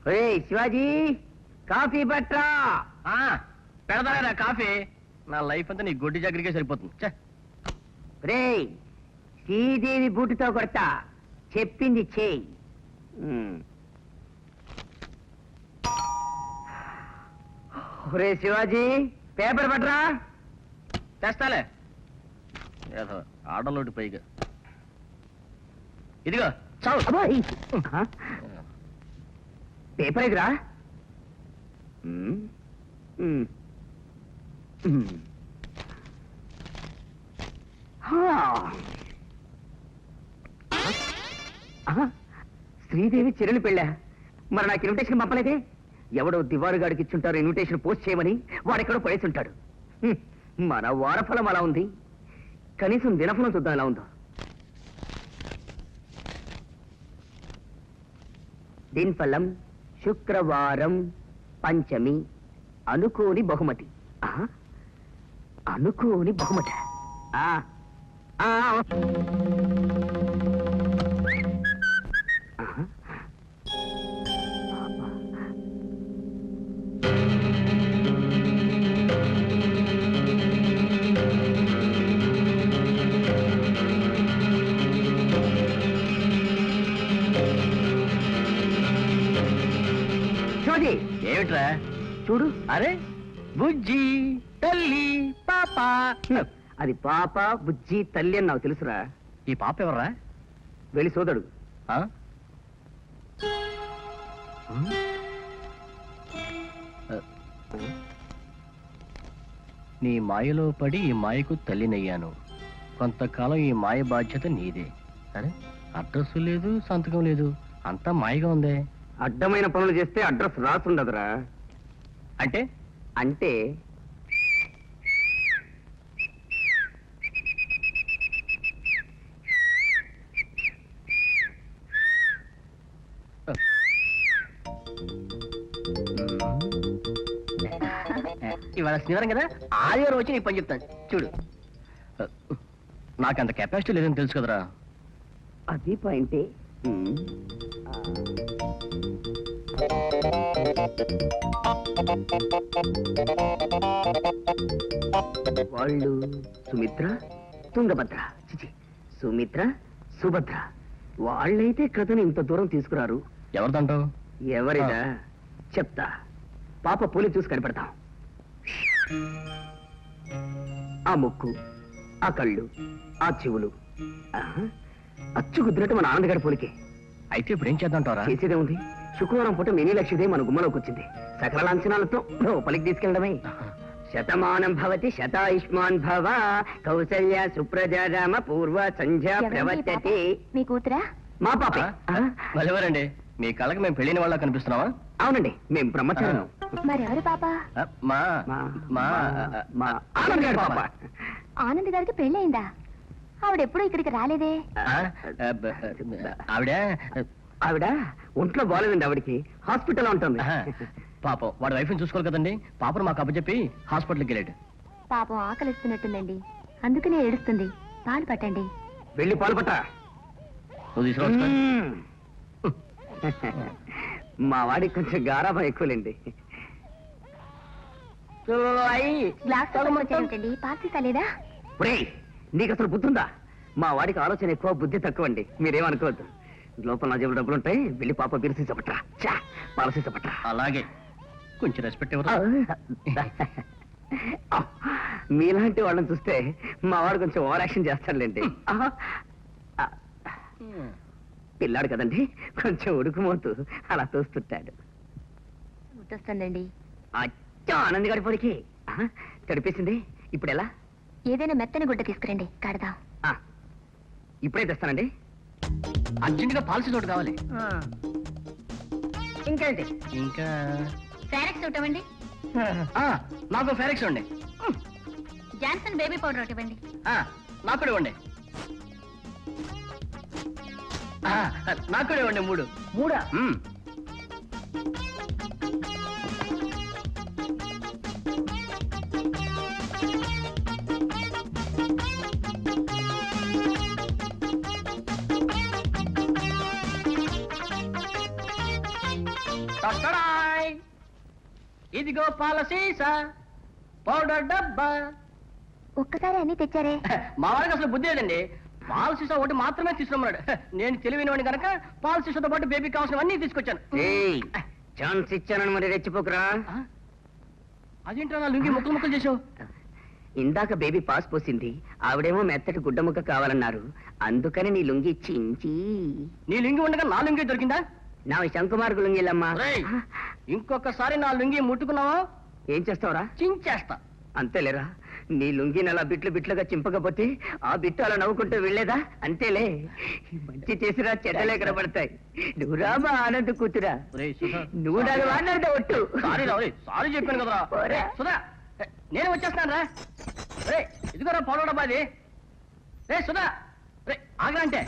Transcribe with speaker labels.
Speaker 1: Shivaji coffee పట్రా.
Speaker 2: పెడతారా coffee? నా లైఫ్ అంతా నీ గొడ్డి జాగ్రత్తగా సరిపోతుంది.
Speaker 1: రే శ్రీదేవి బూటుతో కొడతా, చెప్పింది చేయి. రే శివాజీ పేపర్ పట్రా.
Speaker 2: తెస్తాలే ఆడలోటి పైగా. ఇదిగో చావు.
Speaker 1: పేపర్ ఎదురా. శ్రీదేవి చిరణి పెళ్ళా? మరి నాకు ఇన్విటేషన్ పంపలేదే? ఎవడో దివారుగాడికి ఇచ్చుంటారు ఇన్విటేషన్ పోస్ట్ చేయమని, వాడెక్కడో పడేసి ఉంటాడు. మన వారఫలం అలా ఉంది, కనీసం దినఫలం చూద్దాం ఎలా ఉందో. దినఫలం శుక్రవారం పంచమి, అనుకోని బహుమతి. అనుకోని బహుమతి.
Speaker 2: ఏమిట్రా
Speaker 1: చూడు.
Speaker 2: అరే బుజ్జి తల్లి పాప.
Speaker 1: అది పాప బుజ్జి తల్లి అని నాకు తెలుసురా.
Speaker 2: ఈ పాప ఎవర్రా?
Speaker 1: వెళ్ళి సోదడు.
Speaker 2: నీ మాయలో పడి ఈ మాయకు తల్లినయ్యాను. కొంతకాలం ఈ మాయ బాధ్యత నీదే. సరే, అడ్రస్ లేదు, సంతకం లేదు, అంతా మాయగా ఉందే.
Speaker 1: అడ్డమైన పనులు చేస్తే అడ్రస్ రాసుండదురా.
Speaker 2: అంటే
Speaker 1: అంటే
Speaker 2: ఇవాళ శనివారం కదా, ఆదివారం వచ్చి నీకు పని చెప్తాను చూడు. నాకు అంత కెపాసిటీ లేదని తెలుసు కదరా.
Speaker 1: అది పాయింటే. వాళ్ళు సుమిత్ర తుంగభద్ర, సుమిత్ర సుభద్ర. వాళ్ళైతే కథను ఇంత దూరం తీసుకురారు.
Speaker 2: ఎవరిదంటావు?
Speaker 1: ఎవరిదా చెప్తా. పాప పూలి చూసి కనిపెడతాం. ఆ ముక్కు, ఆ కళ్ళు, ఆ చెవులు అచ్చు కుదిరినట్టు మన ఆనందగారి పోలికే.
Speaker 2: అయితే ఇప్పుడు ఏం చేద్దాంటారా?
Speaker 1: చేసేదే ఉంది. శుక్రవారం పూట మినీ లక్ష్మీదే మన గుమ్మలోకి వచ్చింది. సకల లాంఛనాలతో లోపలికి తీసుకెళ్ళడమే. శతమానం భవతి శతాయుష్మాన్ భవ, కౌసల్య సుప్రజా రామ పూర్వ సంధ్యా ప్రవర్తతే.
Speaker 3: మీ కూతురా?
Speaker 1: మా పాప.
Speaker 2: ఎవరండి? మీ కళ్ళకి మేము పెళ్ళిన వాళ్ళ కనిపిస్తున్నావా?
Speaker 1: అవునండి, మేము బ్రహ్మచారం.
Speaker 3: మరెవరి పాప?
Speaker 2: మా
Speaker 1: మా మా ఆనంద్ గారి పాప.
Speaker 3: ఆనంద్ గారికి పెళ్ళయిందా? ఆవిడెప్పుడు ఇక్కడికి రాలేదే?
Speaker 2: ఆవిడ
Speaker 1: ఆవిడ ఒంట్లో బాగాలేదండి. ఆవిడకి హాస్పిటల్ ఉంటుంది.
Speaker 2: పాపం వాడి వైఫ్ని చూసుకోవాలి కదండి. పాపను మాకు అప్పచెప్పి హాస్పిటల్కి వెళ్ళాడు.
Speaker 3: పాపం ఆకలిస్తున్నట్టుందండి, అందుకనే ఏడుస్తుంది. పాలు పట్టండి.
Speaker 1: వెళ్ళి పాలు పట్ట.
Speaker 2: నువ్వు తీసుకురా.
Speaker 1: మా వాడికి కొంచెం గారాబం ఎక్కువలేండి. నీకు అసలు బుద్ధుందా? మా వాడికి ఆలోచన ఎక్కువ, బుద్ధి తక్కువ అండి. మీరేమనుకోవద్దు. లోపల నా జేబులో డబ్బులు ఉంటాయి. వెళ్ళి పాప బిరిసి చెప్పట్రా, పాలసీ చెప్పట్రా.
Speaker 2: అలాగే, కొంచెం రెస్పెక్ట్ ఇవ్వరా?
Speaker 1: మీలాంటి వాళ్ళని చూస్తే మా వాడు కొంచెం ఓవర్ యాక్షన్ చేస్తాడులేండి. పిల్లాడు కదండి, కొంచెం ఉడుకుమోతూ అలా తోస్తుంటాడు.
Speaker 3: గుర్తొస్తుందండి.
Speaker 1: ఆనంద్ గారి పొడికి తడిపేసింది. ఇప్పుడు ఎలా?
Speaker 3: ఏదైనా మెత్తని గుడ్డ తీసుకురండి, కడదాం.
Speaker 1: ఇప్పుడే తెస్తానండి.
Speaker 2: అర్జెంటుగా పాలసీ తోటి కావాలి.
Speaker 1: ఇంకేంటి?
Speaker 2: ఇంకా
Speaker 3: ఫారెక్స్ ఒకటి ఇవ్వండి.
Speaker 2: నాకు ఫారెక్స్ ఇవ్వండి.
Speaker 3: జాన్సన్ బేబీ పౌడర్ ఒకటి ఇవ్వండి.
Speaker 2: నాకు కూడా ఇవ్వండి. నాకు కూడా ఇవ్వండి. మూడా? టట్టడాయ్. ఇదిగో పాల సీసా, పౌడర్ డబ్బా.
Speaker 3: ఒక్కసారి అన్ని తెచ్చారే.
Speaker 2: మా వారికి అసలు బుద్ధి లేదండి. పాల సీసా ఒకటి మాత్రమే తీసుకున్నాడు. నేను తెలివినవాడిని కనుక పాల సీసాతో పాటు బేబీకి కావాల్సినవన్నీ తీసుకొచ్చాను.
Speaker 1: ఏయ్, ఛాన్స్ ఇచ్చానని మరి రెచ్చిపోకురా.
Speaker 2: ఆ? అదేంటో నా లుంగి ముక్కలు ముక్కలు చేసావు.
Speaker 1: ఇందాక బేబీ పాస్ పోసింది, ఆవిడేమో మెత్తటి గుడ్డ ముక్క కావాలన్నారు, అందుకని నీ లుంగి చించి.
Speaker 2: నీ లుంగి ఉండగా నా లుంగి దొరికిందా?
Speaker 1: నా శంకుమార్గు లుంగిలమ్మా.
Speaker 2: ఒరేయ్, ఇంకొకసారి నా లుంగి ముట్టుకున్నావా
Speaker 1: ఏం చేస్తావురా?
Speaker 2: చించేస్తా.
Speaker 1: అంతేలేరా, నీ లుంగిని అలా బిట్లు బిట్లుగా చింపకపోతే ఆ బిట్టు అలా నవ్వుకుంటూ వెళ్ళేదా? అంతేలే, మంచి చేసిరా చెడ్డలే కనబడతాయి. నువ్వు రామా ఆనంద్ కూతురా,
Speaker 2: ఒరేయ్, సుధా.
Speaker 1: నువ్వు నాకు మాట్లాడితే ఒట్టు.
Speaker 2: సారీ రా, ఒరేయ్, సారీ చెప్పాను కదరా.
Speaker 1: ఒరే.
Speaker 2: సుధా, నేను వచ్చేస్తాను రా. రే, ఇదిగోరా పౌడర్ డబ్బా అది. రే సుధా, రే ఆగరా అంటే.